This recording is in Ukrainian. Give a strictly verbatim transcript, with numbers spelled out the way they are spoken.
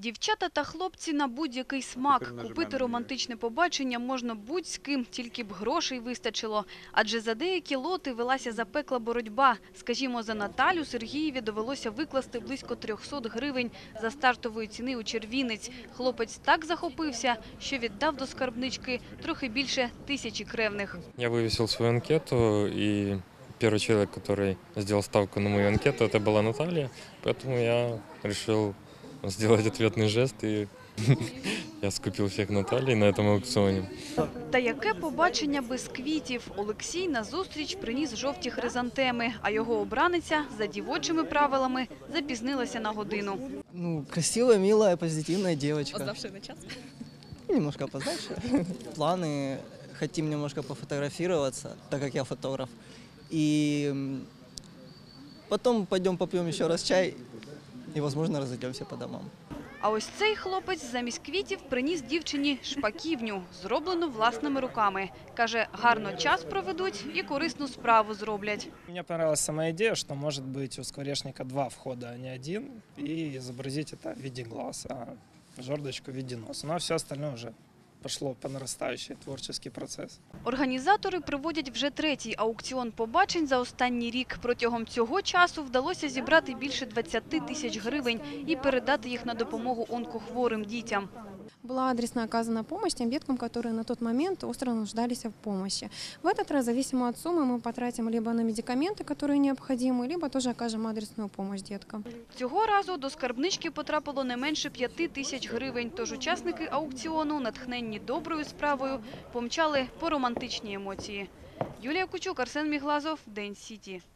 Дівчата та хлопці на будь-який смак. Купити романтичне побачення можна будь з ким, тільки б грошей вистачило. Адже за деякі лоти велася запекла боротьба. Скажімо, за Наталю Сергієві довелося викласти близько трьохсот гривень за стартової ціни у червінець. Хлопець так захопився, що віддав до скарбнички трохи більше тисячі кревних. Я вивісив свою анкету і первый человек, который сделал ставку на мою анкету, это была Наталья. Поэтому я решил сделать ответный жест, и я скупил всех Натальи на этом аукционе. Та яке побачення без квітів? Олексій на зустріч приніс жовті хризантеми, а його обраниця за дівочими правилами запізнилася на годину. Ну, красивая, милая, позитивная девочка. Опоздавшая на час? Немножко опоздавшая. Планы, хотим немножко пофотографироваться, так как я фотограф. И потом пойдем попьем еще раз чай и, возможно, разойдемся по домам. А ось цей хлопець замість квітів приніс дівчині шпаківню, зроблену власними руками. Каже, гарно час проведуть і корисну справу зроблять. Мне понравилась сама идея, что может быть у скворечника два входа, а не один, и изобразить это в виде глаз, а жердочку в виде носа. Ну а все остальное уже пошло по нарастающей, творческий процес. Організатори проводять вже третій аукціон побачень за останній рік. Протягом цього часу вдалося зібрати більше двадцяти тисяч гривень і передати їх на допомогу онкохворим дітям. Была адресно оказана помощь тем деткам, которые на тот момент остро нуждались в помощи. В этот раз, зависимо от суммы, мы потратим либо на медикаменты, которые необходимы, либо тоже окажем адресную помощь деткам. Цього разу до скарбнички потрапило не менше п'яти тисяч гривень, тож учасники аукціону, натхненні доброю справою, помчали по романтичні емоції. Юлія Кучук, Арсен Міглазов, День Сіті.